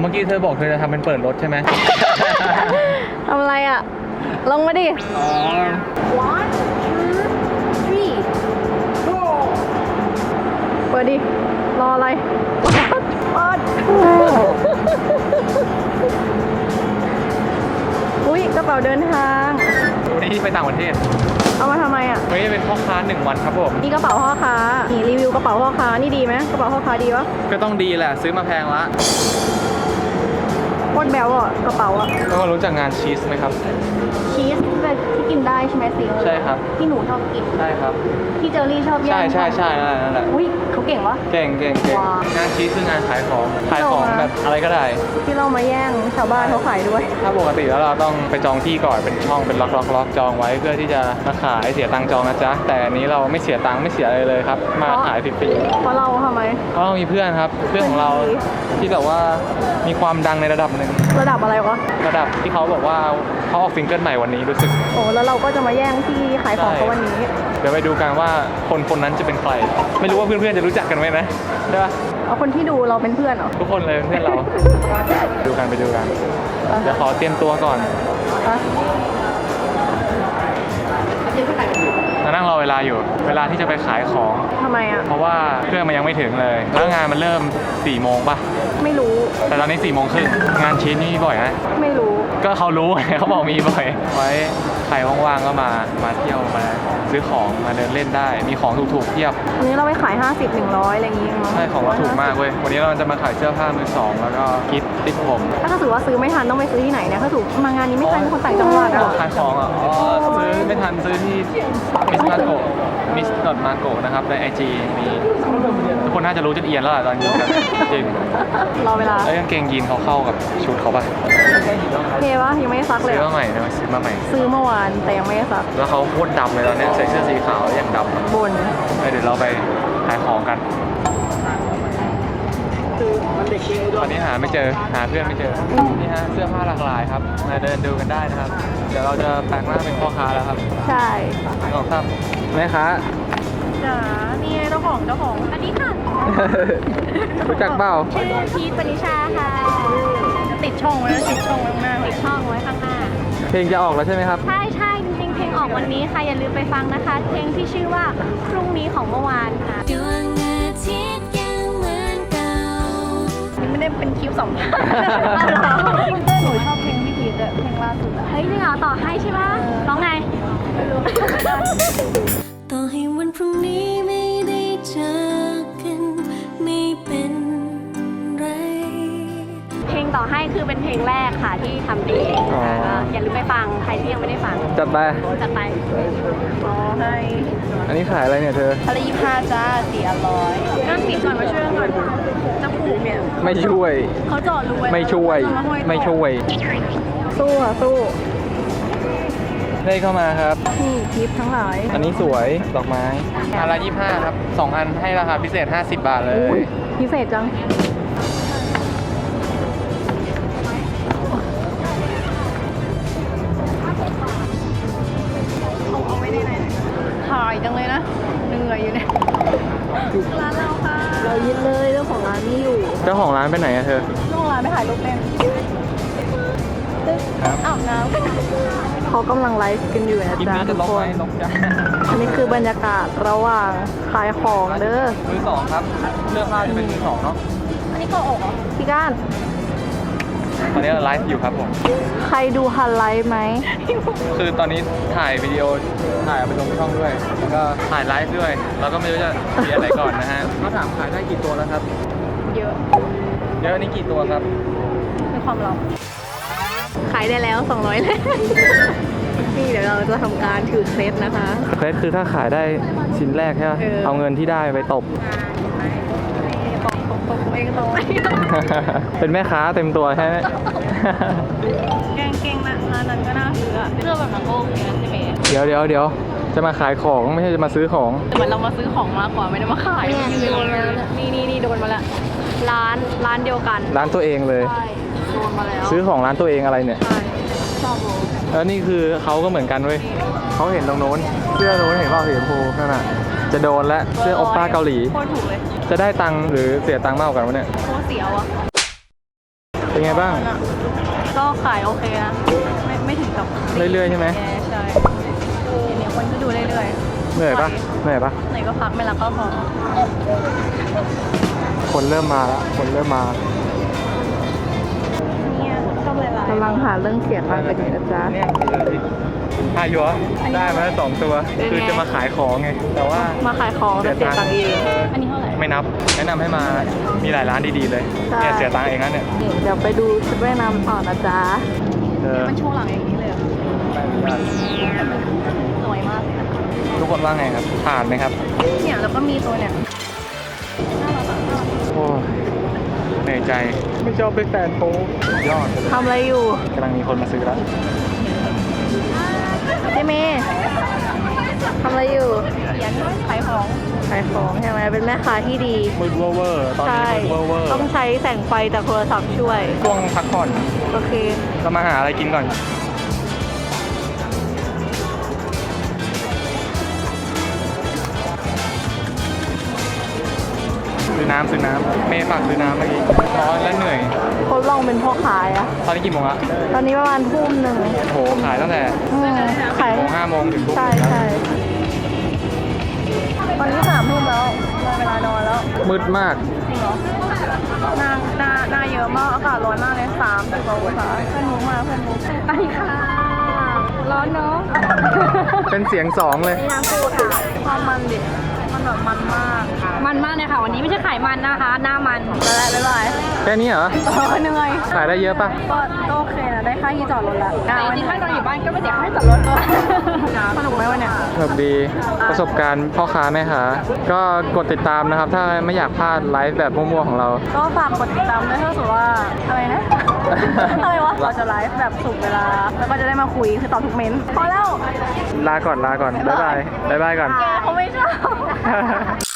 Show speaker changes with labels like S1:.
S1: เมื่อกี้เธอบอกเธอจะทำเป็นเปิดรถใช่ไหม
S2: ทำอะไรอ่ะ ลงมาดิ
S1: อ๋อ
S2: one two three go เปิดดิ รออะไรเปิดอุ๊ยกระเป๋าเดินทาง
S1: วันนี้ไปต่างประเทศ
S2: เอามาทำไมอ่ะ
S1: วันนี้เป็นพ่อค้า1 วันครับผม
S2: นี่กระเป๋าพ่อค้า นี่รีวิวกระเป๋าพ่อค้า นี่ดีไหมกระเป๋าพ่อค้าดีวะ
S1: ก็ต้องดีแหละซื้อมาแพงละ
S2: โคตรแบวอ่ะกระเป๋าอ่ะ
S1: แล้วก็รู้จักงานชีสไหมครับ
S2: ชีสแบบที่กินได้ใช่ไหมซิล
S1: ใช่ครับ
S2: ที่หนูชอบกิน
S1: ใช่ครับ
S2: ที่เจอรี่ชอบแย่ง
S1: ใช่นั่นแหละ
S2: อุ้ยเขาเก่งวะ
S1: เก่ง
S2: ว้าว
S1: งานชีสคืองานขายของแบบอะไรก็ได้
S2: ที่เรามาแย่งชาวบ้านเขาขายด้วย
S1: ถ้าปกติแล้วเราต้องไปจองที่ก่อนเป็นช่องเป็นล็อกจองไว้เพื่อที่จะมาขายเสียตังค์จองนะจ๊ะแต่อันนี้เราไม่เสียตังค์ไม่เสียอะไรเลยครับมาขายฟรี
S2: เพราะเราทำไม
S1: ๆเพราะเรามีเพื่อนครับเพื่อนของเราที่แบบว่ามีความดังในระดับหนึ่ง
S2: ระดับอะไรวะ
S1: ระดับที่เขาบอกว่าเขาออกซิงเกิลใหม่วันนี้รู้สึก
S2: โอ้แล้วเราก็จะมาแย่งที่ขายของเขาวันนี้
S1: เดี๋ยวไปดูกันว่าคนนั้นจะเป็นใครไม่รู้ว่าเพื่อนๆจะรู้จักกันไหมนะได้ปะ
S2: เอาคนที่ดูเราเป็นเพื่อนเหรอ
S1: ทุกคนเลยเพื่อนเรา ดูกันไปดูกันเดี๋ยวขอเตรียมตัวก่อน
S2: อะ
S1: มานั่งรอเวลาอยู่เวลาที่จะไปขายของ
S2: ทำไมอ่ะ
S1: เพราะว่าเครื่องมันยังไม่ถึงเลยแล้วงานมันเริ่ม4 โมงป่ะ
S2: ไม่รู้
S1: แต่ตอนนี้4 โมงครึ่งงานชิ้นนี่บ่อยนะ
S2: ไม่รู้
S1: ก็เขารู้ เขาบอกมีบ่อยไว้ใครว่างๆก็มาเที่ยวมาซื้อของมาเดินเล่นได้มีของถูกๆเทียบ
S2: วันนี้เราไปขาย50 100อะไรอย่างงี้มั้ง
S1: ใช่ของเราถูกมากเว้ยวันนี้เราจะมาขายเสื้อผ้ามือสองแล้วก็คิดติดผม
S2: ถ้าถือว่าซื้อไม่ทันต้องไปซื้อที่ไหนเนี่ยถ้าถือมางานนี้ไม่ทันเป็นคนต่างจังหวัดอ่ะ
S1: ขายของอ่ะอ๋อซื้อไม่ทันซื้อที่มิสมาโกมิสดอทมาโกนะครับใน IG มีทุกคนน่าจะรู้จนเอียนแล้วล่ะตอนนี้กันจริง
S2: รอเวลา
S1: แล้วกางเกงยีนเขาเข้ากับชุดเขาป่ะ
S2: โอเควะยังไม่ได้ซักเลย
S1: ซื้อ
S2: อะ
S1: มาใหม่นะซื้อมาใหม่
S2: ซื้อเมื่อวานแต่ยังไม่ได้ซัก
S1: แล้วเขาโคตรดำเลยตอนนี้ใส่เสื้อสีขาวอย่างดำอะ
S2: บน
S1: เดี๋ยวเราไปขายของกันตอนนี้หาไม่เจอหาเพื่อนไม่เจอนี่ฮะเสื้อผ้าหลากหลายครับมาเดินดูกันได้นะครับ เดี๋ยวเราจะแปลงร่างเป็นพ่อค้าแล้วครับ
S2: ใช่
S1: น้องครับแม่ค้า
S2: จ๋านี่ไงเจ้าของอันนี้ค่ะ
S1: รู้จักเปล่า
S2: ชื่อพีทปณิชาค่ะ ติดช่องไว้ติดช่องไว้ข้างหน้าติดช่องไว้ข้างหน้า
S1: เพลงจะออกแล้วใช่ไหมครับ
S2: ใช่จริงๆเพลงออกวันนี้ค่ะอย่าลืมไปฟังนะคะ เพลงที่ชื่อว่าพรุ่งนี้ของเมื่อวานค่ะ
S3: ดวงอาทิตย์ยังเหมือนเก่า
S2: นี่ไม่ได้เป็นคลิปสัมภาษณ์หนูชอบเพลงพี่พีทเพลงล่าสุดอะ
S3: เฮ้ยจริงเหรอต่อให้ใช่ปะร้องไง
S2: ไม่รู้
S3: ต่อให้วันพรุ่งนี้ไม่ได้เจอกันไม่เป็นไร
S2: เพลงต่อให้คือเป็นเพลงแรกค่ะที่ทำเองค่ะก็อย่าลืมไปฟังใครที่ยังไม่ได้ฟัง
S1: จัดไป
S2: จัดไปต่อให้
S1: อันนี้ขายอะไรเนี่ยเธอ
S2: อะไร25จ้า400นั่งปิดก่อนมาช่วยก่อนจะผูกเนี่ย
S1: ไม่ช่วย
S2: เขาเจาะรูไว้
S1: ไม่ช่วย
S2: เอาาห้อต่อ
S1: ไม่ช่วย
S2: สู้อ่ะสู้
S1: ได้เข้ามาครับ
S2: นี่คลิปทั้งหลาย
S1: อันนี้สวยดอกไม้อันละ25ครับ2 อันให้ราคาพิเศษ50 บาทเลย
S2: พิเศษจังเอาไว้ในไหนถ่ายจังเลยนะเหนื่อยอยู่เนี่ยร้านเราค่ะเรายึดเลยเจ้าของร้านไม่อยู่
S1: เจ้าของร้านไปไหนอะเธอ
S2: เจ้าของร้านไปถ่ายรูปเล่น
S1: ครับ
S2: อาบน้ำเขากำลังไลฟ์กันอยู่นะ
S1: คลิป
S2: จ๊ะ
S1: นี้
S2: ทุ
S1: จะ
S2: ก
S1: ลบ
S2: ค
S1: ไหม
S2: น
S1: ลบจ้า
S2: อันนี้คือบรรยากาศระหว่างขายของเด้อ
S1: มือสองครับเสื้อผ้าจะเป็นมือสองเนาะ
S2: อันนี้ก็อกเหรอพี่ก้าน
S1: ตอนนี้เราไลฟ์อยู่ครับผม
S2: ใครดูฮันไลฟ์ไหม
S1: คือตอนนี้ถ่ายวิดีโอถ่ายเอาไปลงช่องด้วยแล้วก็ถ่ายไลฟ์ด้วยเราก็ไม่รู้จะเรียนอะไรก่อนนะฮะเขาถามขายได้กี่ตัวแล้วครับ
S2: เยอะ
S1: เยอะนี่กี่ตัวครับ
S2: เป็นความลับขายได้แล้ว200เลย นี่เดี๋ยวเราจะทำการถือเคล็ดนะคะ
S1: เคล็ดคือถ้าขายได้ชิ้นแรกใช่ไหม เอาเงินที่ได้ไปตบ
S2: ตบตัวเองตรง
S1: เป็นแม่ค้าเต็มตัวใช่ไหม
S2: แกงนะร้านนั้นก็น่าซื้ออะเสื้อแบบนั้นก็โอเคนะใช่ไหม
S1: เดี๋ยวจะมาขายของไม่ใช่จะมาซื้อของ
S2: เหมือนเรามาซื้อของมากกว่าไม่ได้มาขาย
S3: เนี่ยโดนแล้วเนี่ย
S2: นี่โดนมาแล้วร้านเดียวกัน
S1: ร้านตัวเองเลย
S2: ใช่โดนมาแล้ว
S1: ซื้อของร้านตัวเองอะไรเนี่ย
S2: ใช่ชอบโบ
S1: แล้วนี่คือเขาก็เหมือนกันเว้ยเขาเห็นตรงโน้น เสื้อโน้นเห็นเปล่าสีชมพูนั่นน่ะ จะโดนแล้วเสื้อโอปป้าเกาหลี
S2: โคตรถูกเลย
S1: จะได้ตังค์หรือเสียตังค์มากกว่ากันวะเนี่ย
S2: โคตรเสียวอ่ะ
S1: เป็นไงบ้าง
S2: ก็ขายโอเคนะ ไม่ถึงกับ
S1: เรื่อยๆใช่ไหม
S2: แย่ใช่เนี่ยคนก็ดูเรื่อยๆ
S1: เหนื่อยปะเหนื่อยปะ
S2: ไหนก็พักไม่รักก็พอ
S1: คนเริ่มมาแล้ว คนเริ่มมา
S2: เนี่ยชอบหลายๆกำลังหาเรื่องเสียตังค์กันอยู่นะจ๊ะ
S1: เนี่ยอายุได้มาแล้ว2 ตัว
S2: เป็นไง
S1: คือจะมาขายของไง แต่ว่า
S2: มาขายของแต่เสียตังค์เอง อันนี้เท่าไหร่
S1: ไม่นับ แนะนำให้มา มีหลายร้านดีๆเลย
S2: ใช่
S1: เนี่ยเสียตังค์เองนะเนี่ย
S2: นี่เดี๋ยวไปดูชุดว่ายน้ำต่อนะจ๊ะ
S1: เออ
S2: มันโชว์หลังอย่างนี้เลยเหรอ
S1: ไม่อนุญาต
S2: สวยมากเลยนะ
S1: ทุกคนว่าไงครับ ผ่านไหมครับ
S2: เนี่ยแล้วก็มีตัวเนี่ยน่ารักอะน่ารัก
S1: โอ้ยเหนื่อยใจ ไม่ชอบเป็นแฟนโป๊ยอด
S2: ทำอะไรอยู่
S1: กำลังมีคนมาซื้อแล้ว
S2: เจเมย์ทำอะไรอยู่เขียนขายของขายของใช่ไหมเป็นแม่ค้าที่ดี
S1: มืดเวอร์ตอนนี้
S2: ใช่
S1: มืดเวอร์
S2: ต้องใช้แสงไฟจากโทรศัพท์ช่วย
S1: ช่วงพักผ่อน
S2: โอเค
S1: เรามาหาอะไรกินก่อน ซื้อน้ำเมย์ฝากซื้อน้ำเมื่อกี้ร้อนและเหนื่อย
S2: คนลองเป็นพ่อขายอะ
S1: ตอนนี้กี่โมงละ
S2: ตอนนี้ประมาณทุ่มหนึ่ง
S1: โหขายตั้งแต่
S2: ขาย
S1: โมง5 โมงถึงทุ่ม
S2: ใช่ใช่ตอนนี้3 ทุ่มแล้วเลยเวลานอนแล้ว
S1: มืดมาก
S2: จริงเหรอหน้าเยอะมาก อากาศร้อนมากเลย30 กว่าองศาเพื่อนมุกมาเพื่อนมุกไปค่ะ ร้อนเนาะ
S1: เป็นเสียง2เลย
S2: นี่น้ำปูค่ะความมันดิ มันแบบมันมาก
S4: มันมากเลยค่ะ วันนี้ไม่ใช่ไขมันนะคะ หน้ามัน
S2: แล้วบ๊ายบาย
S1: แค่นี้เหรอ
S2: เหนื่อย
S1: ขายได้เยอะปะ
S2: ก็โอเคนะ ได้ค่าที่จอดรถละ
S4: แต่จริงๆถ้าเราอยู่บ้านก็ไม่เสียค่าจอดรถ
S2: สนุกไหมวะเนี่ย
S1: สนุกดี ประสบการณ์พ่อค้าแม่ค้าก็กดติดตามนะครับ ถ้าไม่อยากพลาดไลฟ์แบบมั่วๆของเรา
S2: ก็ฝากกดติดตามด้วยถ้าสมมติว่าอะไรนะ อะไรวะ เราจะไลฟ์แบบสุกเวลา แล้วก็จะได้มาคุยคือตอบทุกเม้นต์พอแล้ว
S1: ลาก่อน บ๊ายบายก่อน
S2: แกเขาไม่ชอบ